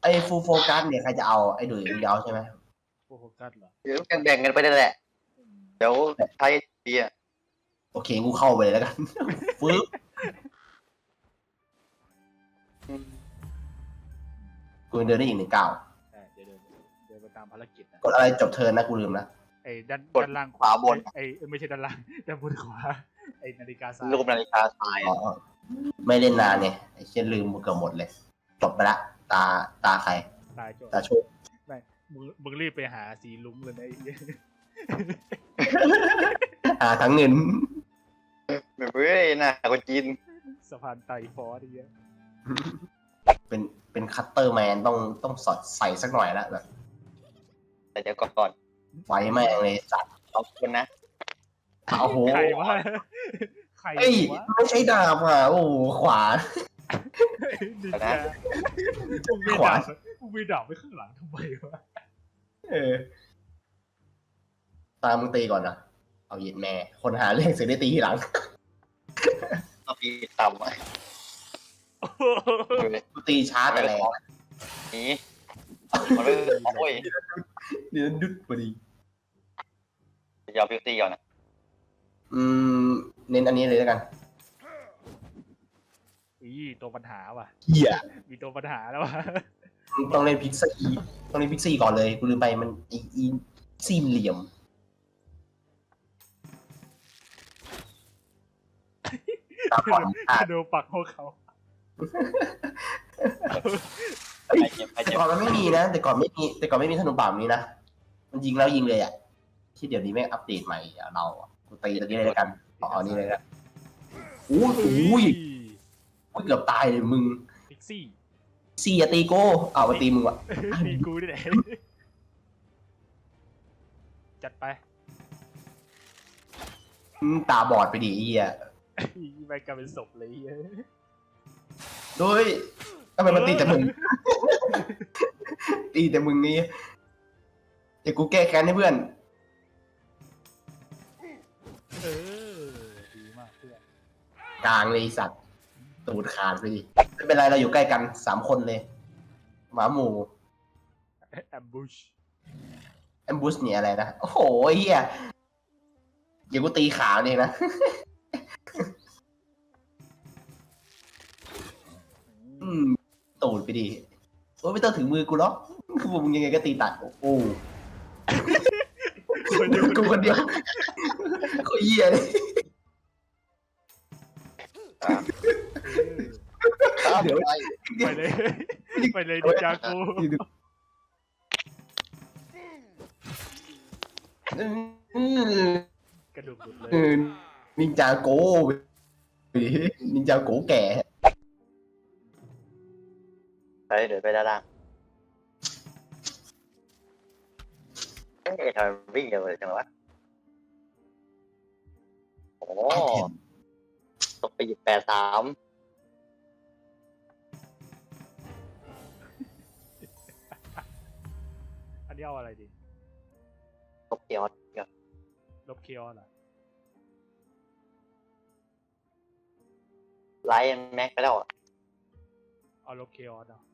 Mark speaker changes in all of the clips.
Speaker 1: อ้ฟูลโฟกัสเนี่ยใครจะเอาไอ้ดุยมึงจะเอาใช่ไหม
Speaker 2: โฟกัสเหรอ
Speaker 3: เดี๋ยวแบ่งกันไปนั่นแหละเดี๋ยวใช้ดีอ่ะ
Speaker 1: โอเคกูเข้าไปเลยแล้วกัน ฟื้นกูยังเดินได้อีก1 ก้าว
Speaker 2: ใช่เดินไปตามภารกิจนะ
Speaker 1: กดอะไรจบเทิร์นนะกูลืมนะ
Speaker 2: ไอ้ด้านล่าง
Speaker 3: ขวาบน
Speaker 2: ไอ้ไม่ใช่ด้านล่างด้านบนขวาไอ้นาฬิกาทราย
Speaker 3: รูปนาฬิกาทราย
Speaker 1: อ๋อไม่เล่นนานเนี่ยไอ้เช่นลืมเกือบหมดเลยจบไปละตาใคร
Speaker 2: ตายจบ
Speaker 1: ตาโชค
Speaker 2: ไม่มึงรีบไปหาสีลุ้งเลยนะไอ้เหี้ย
Speaker 1: ทั้งเงิน
Speaker 3: แบบเฮ้ยน่าคนจีน
Speaker 2: สะพานไต่ฟอสไอ้เหี้ย
Speaker 1: เป็นคัตเตอร์แมนต้องสอดใส่สักหน่อยละแบบ
Speaker 3: แต่เดี๋ยวก่อน
Speaker 1: ไฟแม่งเลยสัตว์
Speaker 3: เอาคนนะ
Speaker 1: โอ้โห
Speaker 2: ใครวะใคร
Speaker 1: เอ้ยว
Speaker 2: ะ
Speaker 1: ไม่ใช่ดาบอ่ะโอ้โหขวาน
Speaker 2: ดิจ้ามึงไม่
Speaker 1: ขวา
Speaker 2: ดับไปข้างหลังทำไมวะ
Speaker 1: ตามมึงตีก่อนนะเอาเหยียดแม่ คนหาเรื่องเสียได้ตีทีหลัง
Speaker 3: เอาปีต่ำอ่ะ
Speaker 1: กูตีช้าแต่แรง
Speaker 3: นี่มันไม่โอ้ย
Speaker 1: เดี๋ยวดุดพอดี
Speaker 3: เดี๋ยวพิวตี้ก่อนนะ
Speaker 1: เน้นอันนี้เลยแล้วกัน
Speaker 2: อีตัวปัญหาว่ะ
Speaker 1: เหี้ย
Speaker 2: มีตัวปัญหาแล้วว่ะ
Speaker 1: ต้องเล่นพิกซี่ต้องเล่นพิกซี่ก่อนเลยกูลืมไปมันอีซีเหลี่ยมตาขวานขาด
Speaker 2: โดนปักหัวเขา
Speaker 1: เฮ้ย
Speaker 3: ไอเจ็บไอ
Speaker 1: แต่
Speaker 3: เจ็บ
Speaker 1: ก่อนมันไม่มีนะแต่ก่อนไม่มีธนูป่าแบบนี้นะมันยิงแล้วยิงเลยอ่ะที่เดี๋ยวนี้แม่งอัปเดตใหม่อะเราอะกูตีตรงนี้เลยแล้วกันเอานี่เลยละอุ้ยเกือบตายเลยมึง
Speaker 2: พิกซี่
Speaker 1: ซี่อย่าตีโก้เอาไปตีมึงวะ
Speaker 2: ตีกูนี่แหละจัดไป
Speaker 1: ตาบอดไปดิไอ้เหี้ย
Speaker 2: ไปกลายเป็นศพเลยเหี้ย
Speaker 1: โดยทำไมมันตีแต่มึง ตีแต่มึงนี่เดี๋ยวกูแก้แค้นให้เพื่อน
Speaker 2: เออดีมากเพื่อน
Speaker 1: กลางเลยไอ้สัตว์ตูดขาดไปดิไม่เป็นไรเราอยู่ใกล้กัน3 คนเลยหมาหมู่
Speaker 2: แอมบูช
Speaker 1: แอมบูสเนี่ยอะไรนะโอ้โหไอ้เหี้ยเดี๋ยวกูตีขาเนี่ยนะ ตูดไปดิโอ้ยไม่ต้องถึงมือกูหรอกคือมึงยังไงก็ตีตัดโอ้โหกูคนเดียวโคตรเหี้ยเลย
Speaker 3: ครับเดี๋ยวไป
Speaker 2: ไปเลยไปเลยดิจากู กระดูกหลุดเลย
Speaker 1: นินจาโกนินจาโกแก่
Speaker 3: ไปเดี๋ยวไปด้านล่างเอ๊ะทำไมวิ่งเร็วเลยจังวะโอ้ตกไปหยิบ83
Speaker 2: อันนี้เอาอะไรดี
Speaker 3: ตกเกียว
Speaker 2: ลบเคียวเหรอ
Speaker 3: ไลท์แม็กไปแล้วอ่ะ
Speaker 2: เอาลบเคียวเนาะ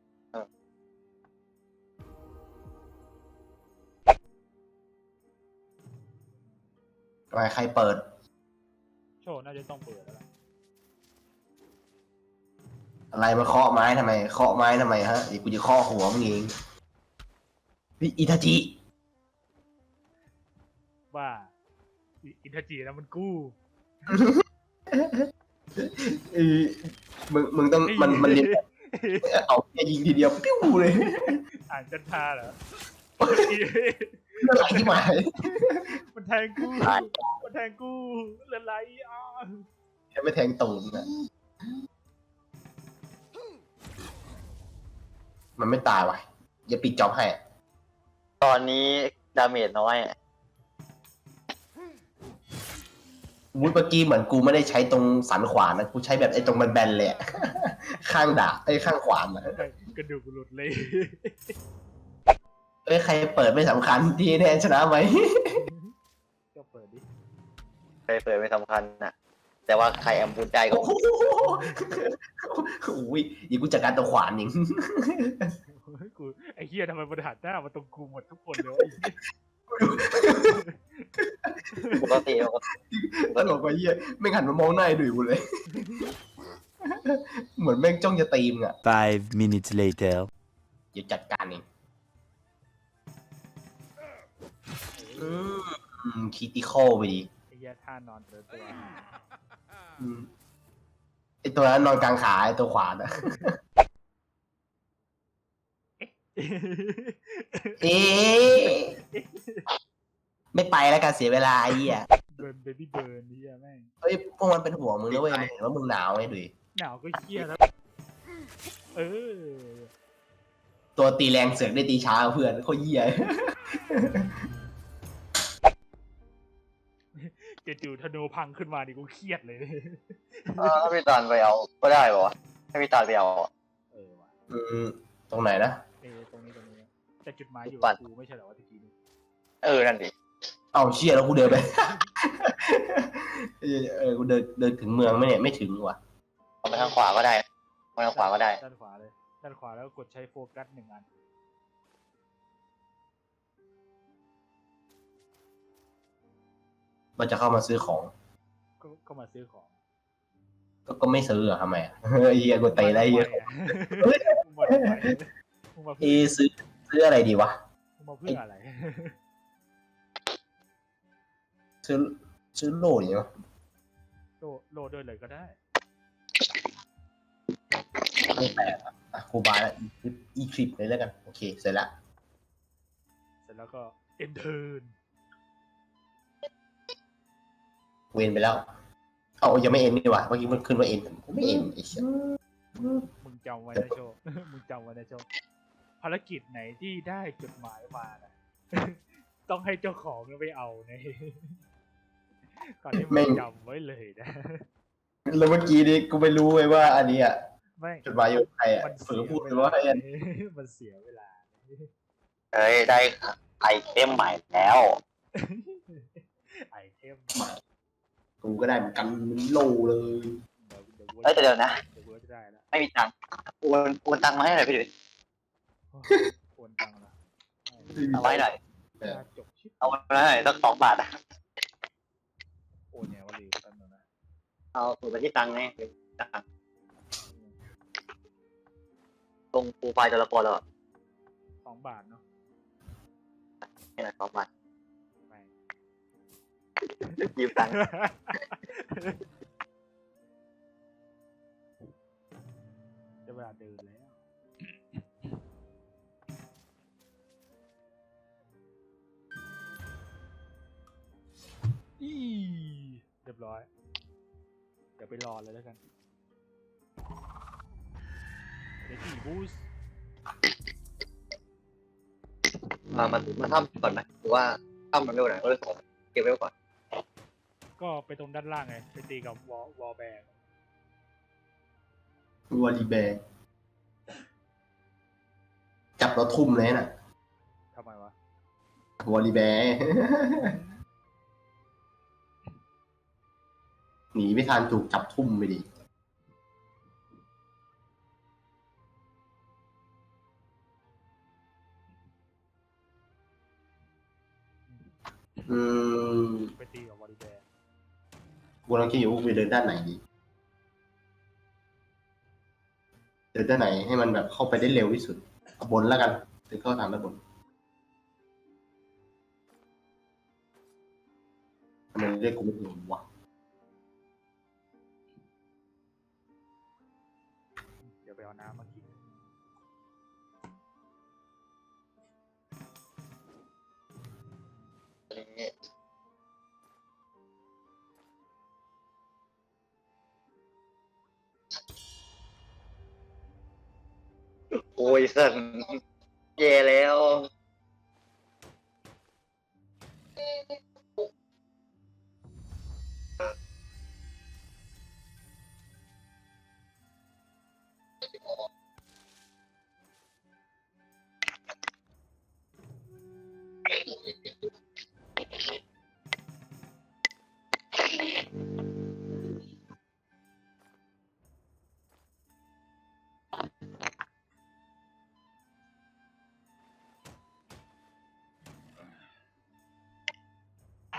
Speaker 1: ใครเปิด
Speaker 2: โชว์น่าจะต้องเปิดแล้วล่ะ
Speaker 1: อะไรมาเคาะไม้ทำไมฮะเดี๋ยวกูจะเคาะหัวมึงเองพี่อิทาจิ
Speaker 2: บ้าอินทจีนะมันกู้
Speaker 1: มึงต้องมันเรียนเอาแค่ยิงทีเดียวปิ้วเลย
Speaker 2: อ่านจันทาเหรอ
Speaker 1: เรื่องอะไรที่หมาย
Speaker 2: มันแทงกูมันแทงกูเลือดไหลอ่ะ
Speaker 1: ยังไม่แทงตูนนะมันไม่ตายว่ะอย่าปิดจ็อบให้
Speaker 3: ตอนนี้ดาเมจน้อยอ่ะ
Speaker 1: เมื่อกี้เหมือนกูไม่ได้ใช้ตรงสันขวานนะกูใช้แบบไอ้ตรงแบนๆเลยอะ ข้างดาบไอ้ข้างขวานอะ
Speaker 2: กระดูกหลุดเลย
Speaker 1: ใครเปิดไม่สำคัญทีแน่ชนะไหม
Speaker 2: ก็เปิดดิ
Speaker 3: เคยเปิดไม่สำคัญนะแต่ว่าใครแอมบูดได้ก็
Speaker 1: โอ้โหอุ้ยอย่ากูจัดการตัวขวานยิง
Speaker 2: กูไอ้เหี้ยทำไมมันหันหน้ามาตรงกูหมดทุกคนเลยวะไอ้เหี้ย
Speaker 3: ปกติ
Speaker 1: ตลกไปเหี้ยไม่งหันมามองหน้าไอ้ดุยกูเลย เหมือนแม่งจ้องจะตีมอ่ะ
Speaker 4: 5 minutes later.
Speaker 1: เดี๋ยวจัดการเองคิติคอลไปดิ
Speaker 2: ไอ้เหี้ยท่านอนเติร์ตัว
Speaker 1: ไอตัวนั้นนอนกลางขาไอตัวขวาน่ะ เอ๊ะไม่ไปแล้วกันเสียเวลาไอ้เหี้ย
Speaker 2: เบิร์นเบบี้เบิร์นนี่แม่ง
Speaker 1: เฮ้ยพวกมันเป็นห่วงมึงนะเว้ยมันเห็นว่ามึงหนาวไงดุย
Speaker 2: หนาวก็เหี้ยแล้วเออ
Speaker 1: ตัวตีแรงเสือกได้ตีช้าเพื่อนโคตรเหี้ย
Speaker 2: จู่ๆธนูพังขึ้นมาดิกูเครียดเลย
Speaker 3: ถ้าพี่ตาลไปเอาก็ได้ป่าวะให้พี่ตาลไปเอา
Speaker 2: เออว่ะ
Speaker 1: ตรงไหนนะ
Speaker 2: ตรงนี้แต่จุดหมายอยู่
Speaker 3: ปั่น
Speaker 2: กูไม่ใช่เหรอวะตะกี้นี้
Speaker 3: นั่นดิ
Speaker 1: เอาเชี่ยแล้วกูเดินไป กูเดินถึงเมืองไหมเนี่ยไม่ถึงว่ะ
Speaker 3: เอาไปทางขวาก็ได้ไปทางขวาก็ได้
Speaker 2: ด้านขวาเลยด้านขวาแล้วกดใช้โฟกัส1 อัน
Speaker 1: มันจะเข้ามาซื้อของ
Speaker 2: ก็มาซื้อของ
Speaker 1: ก็ไม่ซื้ออะทำไมอะ ไอ้เหี้ยกูเตะได้เหี้ย
Speaker 2: มึงมาทำไมมึงมา
Speaker 1: เอ
Speaker 2: เพื่อ
Speaker 1: ซื้ออะไรดีวะ
Speaker 2: มึงมาเพื่ออะไร
Speaker 1: ซื้อโล่อย่างเงี้ย
Speaker 2: โลด้วยเลยก็ได้
Speaker 1: ไม่แปลกอ่ะครูบาแล้วอีคลิปเลยแล้วกันโอเคเสร็จละ
Speaker 2: เสร็จแล้วก็เอนเทิร์น
Speaker 1: เวนไปแล้วเอายังไม่เอ็นนี่หว่าเมื่อกี้มันขึ้นว่าเอ็นไม่เอ็นไอ้เชี่ย
Speaker 2: มึงจำไว้นะโชว์ มึงจำไว้นะโชว์ภารกิจไหนที่ได้จดหมายมานะ ต้องให้เจ้าของไปเอาใน ก่อนที่มึงจำไว้เลยนะ
Speaker 1: แล้วเมื่อกี้นี่กูไม่รู้เลยว่าอันนี้อ่ะ
Speaker 2: ไม่
Speaker 1: จดหมายอยู่ใครอ่ะ
Speaker 2: มัน
Speaker 1: ฝืนพูดเลยว่าไอ้อัน
Speaker 2: มันเสียเวลา
Speaker 3: ได้ไอเทมใหม่แล้ว
Speaker 2: ไอเทม
Speaker 1: กูก็ได้เหมือนกันมันโลเลย
Speaker 3: แต่เดี๋ยวนะ
Speaker 2: เดี๋ยวกูจะได้แล้ว
Speaker 3: ไม่มีตังค์โอนตังค์มาให้หน่อยพี่ดุย
Speaker 2: โอนตังค์ละ
Speaker 3: เอาไว้หน่อย
Speaker 2: จบชิป
Speaker 3: เอาไว้หน่อยสัก2 บาท
Speaker 2: โอนเนี่ยวะลืมแป๊บนึงนะ
Speaker 3: เอาสูตรไปที่ตังค์ไงตังค์ลงโปรไฟล์ตัวละครแล้ว
Speaker 2: 2 บาทเนาะ
Speaker 3: นี่แหละ2 บาท
Speaker 2: ไม่
Speaker 3: ยืมตังค์
Speaker 2: จะเวลาเดินแล้วเรียบร้อย เดี๋ยวไปรอเลยแล้วกันเดี๋ยวที่บูส
Speaker 3: มาทำก่อนไหมหรือว่าทำมันเร็วหน่อยก็เลยขอเก็บไว้ก่อน
Speaker 2: ก็ไปตรงด้านล่างไง ไปตีกับวอลแบก
Speaker 1: วอลลีแบร์จับแล้วทุ่มเลยน่ะ
Speaker 2: ทำไมวะ
Speaker 1: วอลลีแบร์ หนีไม่ทันถูกจับทุ่มไปดิ
Speaker 2: ไปตีกับวอลแบก
Speaker 1: กูกำลังคิดอยู่ว่ากูจะเดินด้านไหนดีเดินด้านไหนให้มันแบบเข้าไปได้เร็วที่สุดเอาบนแล้วกันถึงเข้าทางด้านบนทำไมเรียกกูไม่ถูกวะ
Speaker 2: เดี๋ยวไปเอาน้ำมากิน
Speaker 3: โอ้ยสันแย่แล้ว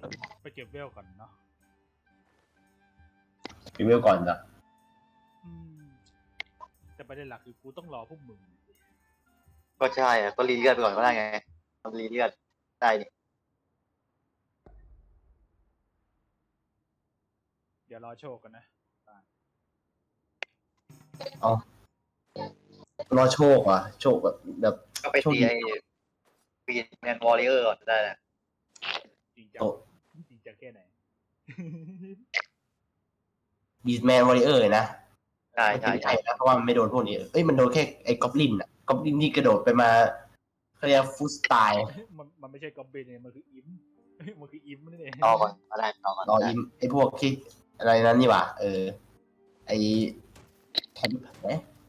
Speaker 2: ไปเก็บเวลก่อนเนาะ
Speaker 1: รีวิวก่อนจ้ะ
Speaker 2: อืมแต่ประเด็นหลักคือกูต้องรอพวกมึง
Speaker 3: ก็ใช่อะก็รีเลือดไปก่อนก็ได้ไงทำรีเลือดได้นี่
Speaker 2: เดี๋ยวรอโชคกันนะ
Speaker 1: รอโชคว่ะโชคแบบ
Speaker 3: ก็ไปตีไอ้ปีนแมนวอริเออร์ก่อนได้นะ
Speaker 2: จริงจังจริงจังแค่ไหน
Speaker 1: บีสแมนวอริเออร์นะ
Speaker 3: ใช่ใช่
Speaker 1: ไม่
Speaker 3: ใช่
Speaker 1: ใช่นะเพราะว่ามันไม่โดนพวกนี้เอ้ยมันโดนแค่ไอ้กอบลินอ่ะกอบลินที่กระโดดไปมาเขาเรียกฟูสไตล์
Speaker 2: มันไม่ใช่กอบเบนเนี่ยมันคืออิม มันคืออิมนั่นเอง
Speaker 3: ต่อก่อนก็ได้ต่อก่อน
Speaker 1: รออิมไอ้พวกที่อะไรนั้นนี่หว่าไอ้แทนไหม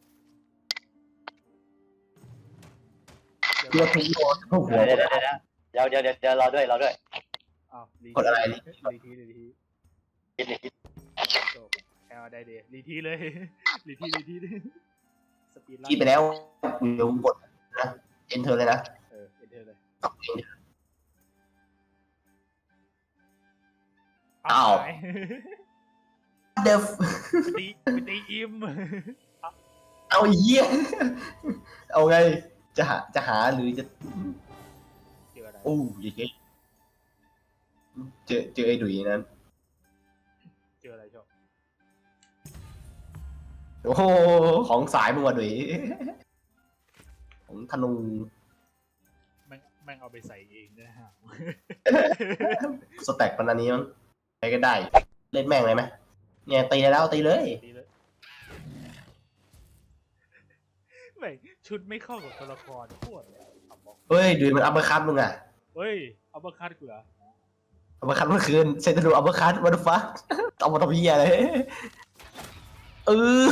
Speaker 1: เรียกทุกโยนทุกหัว
Speaker 3: เดี๋ยวรอด้วย
Speaker 2: อ้าวรี
Speaker 1: กดอะไร
Speaker 2: รีที
Speaker 3: คิดเลย
Speaker 2: โชคแอลได้เดย์รีทีเลย รีทีสปีด
Speaker 1: ที่ไปแล้วเดี๋ยวกดนะเอนเตอร์เลยนะ
Speaker 2: เอ็นเทอร์เลย
Speaker 1: อ้าว
Speaker 2: หย
Speaker 1: เดฟ
Speaker 2: ไปตีอิม
Speaker 1: เอาเยี่ยเอาไงจะหาหรือจะ
Speaker 2: เจออะไร
Speaker 1: โอ้ยเฮ้ยเจอไอ้ดุยนั้น
Speaker 2: เจออะไรโชค
Speaker 1: โอ้โหของสายมึงว่ะดุยของธนู
Speaker 2: แม่งเอาไปใส่เองนะฮะ
Speaker 1: สแต็กปันอันนี้มั้งใครก็ได้ เล่นแม่งเลยไหมเนี่ยตีได้แล้วตีเลย
Speaker 2: ดีเลยไม่ชุดไม่เข้ากับตัวละครโคตรเลยเอาบอก
Speaker 1: เฮ้ยดุยมันอัปเปอร์คัตมึงอ่ะ
Speaker 2: เฮ้ยเอาบัคคัดกูเหรอ
Speaker 1: อัปเปอร์คัตเมื่อคืนเซนตรูอัปเปอร์คัตวันฟ้าเอามาทำเหี้ยเลยเออ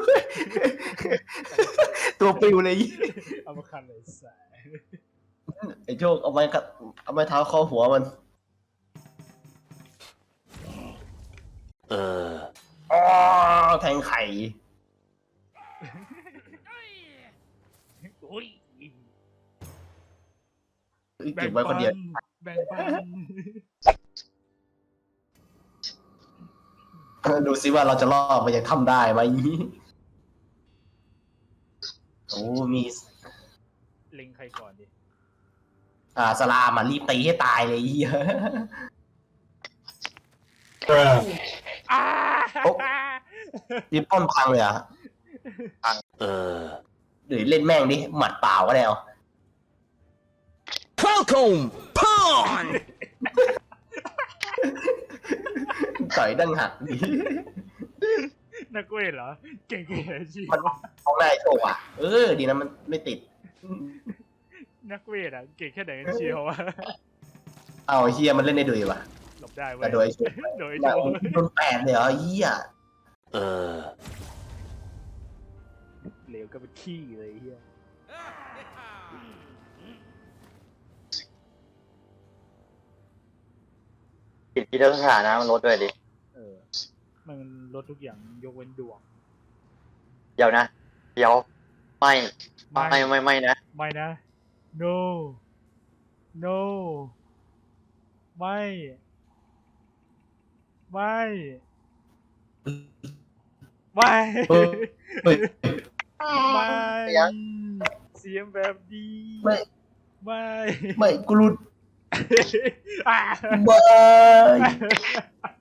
Speaker 1: ตัวปิวเลย
Speaker 2: เอาบัคคัดเลยสาย
Speaker 1: ไอ้โชคเอาไม้เท้าคอหัวมัน อ๋อแทงไข่
Speaker 2: โอ้ย
Speaker 1: เก็บไว้คนเดียว
Speaker 2: แบ่งปัน
Speaker 1: ดูซิว่าเราจะรอดมันยังทำได้ไหมโอ้มี
Speaker 2: เล็งใครก่อนดิ
Speaker 1: สลามรีบตีให้ตายเลยเฮีย
Speaker 2: อ้า
Speaker 1: รีบป้อนพังเลยอ่ะหรือเล่นแม่งดิหมัดเปล่าก็ได้เอา
Speaker 4: Falcon Pawn
Speaker 1: ต่อยดังหักดิ
Speaker 2: นักเวทเหรอ เก่งๆจริง
Speaker 1: มันท้องได้โชว์อ่ะดีนะมันไม่ติด
Speaker 2: นักเวทอ่ะ เก่งแค่ไหนกันเชียววะ
Speaker 1: เอาเฮียมันเล่นได้ดุยวะ
Speaker 2: หลบได้เว้
Speaker 1: แต่
Speaker 2: ย
Speaker 1: โดยโชว์
Speaker 2: โดยโชว์
Speaker 1: โดน8เลยเหรอเฮีย
Speaker 2: เหลวก็เป็นขี้เลยเฮีย
Speaker 3: กินที่เรื่องสถานะมันลดด้วยดิ
Speaker 2: มันลดทุกอย่างยกเว้นดวง
Speaker 3: เดี๋ยวนะเดี๋ยวไม่นะ
Speaker 2: ไม่นะ no no ไม่ไม่ไม่
Speaker 1: เฮ้ย
Speaker 2: ไม่เสียงแบบดี
Speaker 1: ไม่
Speaker 2: ไม่
Speaker 1: ไม่กูรุด
Speaker 2: อ่ะ
Speaker 1: บาย